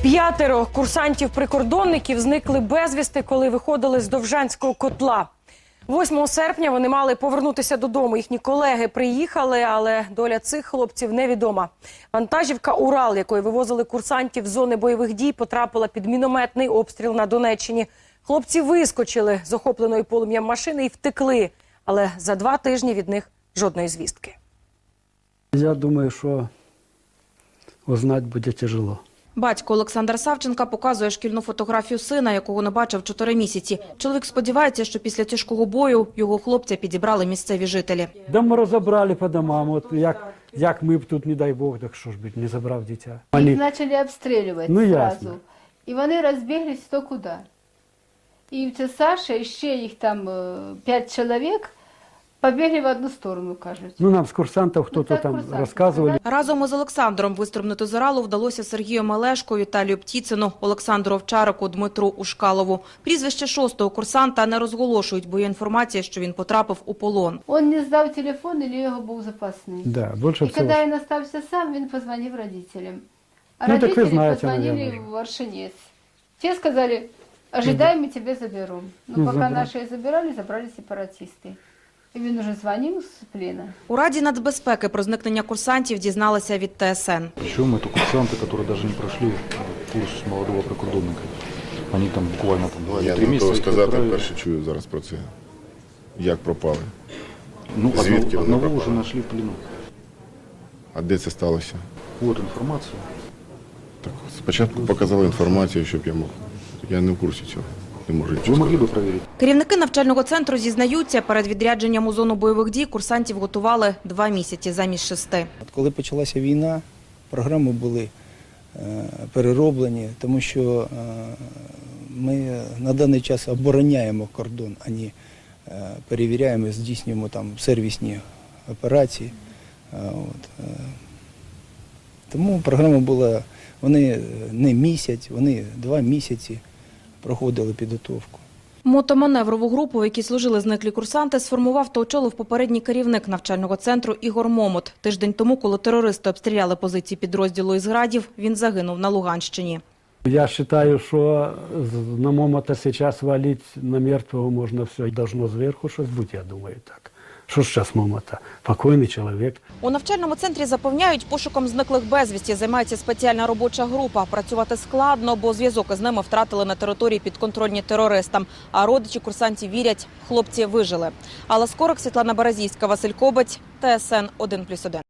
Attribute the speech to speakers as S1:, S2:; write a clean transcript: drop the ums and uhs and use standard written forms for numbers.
S1: 5 курсантів-прикордонників зникли безвісти, коли виходили з Довжанського котла. 8 серпня вони мали повернутися додому. Їхні колеги приїхали, але доля цих хлопців невідома. Вантажівка «Урал», якою вивозили курсантів з зони бойових дій, потрапила під мінометний обстріл на Донеччині. Хлопці вискочили з охопленої полум'ям машини і втекли. Але за 2 тижні від них жодної звістки.
S2: Я думаю, що узнати буде тяжело.
S3: Батько Олександр Савченка показує шкільну фотографію сина, якого не бачив 4 місяці. Чоловік сподівається, що після тяжкого бою його хлопця підібрали місцеві жителі.
S2: Да ми розібрали по домам, от як ми б тут, не дай Бог, так що ж би, не забрав дитя.
S4: Їх почали обстрілювати одразу. І вони розбіглись хто куди. І це Саша, і ще їх там 5 чоловік побігли в одну сторону, кажуть.
S2: Ну, нам з курсантів хтось там розказували.
S3: Разом із Олександром вистрибнути з Уралу вдалося Сергію Мелешку, Віталію Птіцину, Олександру Овчарику, Дмитру Ушкалову. Прізвище 6-го курсанта не розголошують, бо є інформація, що він потрапив у полон.
S4: Він не здав телефон, або його був запасний.
S2: Да, більше
S4: і
S2: всього.
S4: коли він залишився сам, він позвонив родителям. А
S2: Ну, так ви
S4: родителі
S2: знаєте,
S4: позвонили
S2: наверное.
S4: в Аршинець. Ті сказали, ожидай, ми тебе заберемо. Ну, поки наші забирали сепаратисти. І він уже дзвонив з плена.
S3: У Раді нацбезпеки про зникнення курсантів дізналися від ТСН.
S5: Причем это курсанты, которые даже не прошли курс молодого прикордонника. Они там буквально 2-3 місяці.
S6: Я сказати, перше чую зараз про це. Як пропали?
S5: Ну,
S6: Звідки вони
S5: одного
S6: пропали?
S5: вже знайшли в плену.
S6: А де це сталося?
S5: Вот інформація.
S6: Так, спочатку показали інформацію, щоб я мог. Я не в курсі цього. Не можу
S5: Ви
S6: нічого
S5: могли
S6: сказати.
S5: б перевірити?
S3: Керівники навчального центру зізнаються, перед відрядженням у зону бойових дій курсантів готували 2 місяці замість 6.
S7: Коли почалася війна, програми були перероблені, тому що ми на даний час обороняємо кордон, а не перевіряємо, здійснюємо там сервісні операції. Тому програма була, вони не місяць, вони 2 місяці проходили підготовку.
S3: Мотоманеврову групу, в якій служили зниклі курсанти, сформував та очолив попередній керівник навчального центру Ігор Момот. Тиждень тому, коли терористи обстріляли позиції підрозділу із Градів, він загинув на Луганщині.
S2: Я вважаю, що на Момота зараз валити на мертвого можна все. Должно зверху щось бути, я думаю, так. Що ж зараз Момота? Покойний чоловік.
S3: У навчальному центрі запевняють, пошуком зниклих безвісті займається спеціальна робоча група. Працювати складно, бо зв'язок із ними втратили на території підконтрольні терористам. А родичі курсантів вірять, хлопці вижили. Алла Скорик, Світлана Березійська, Василь Кобець, ТСН 1+1.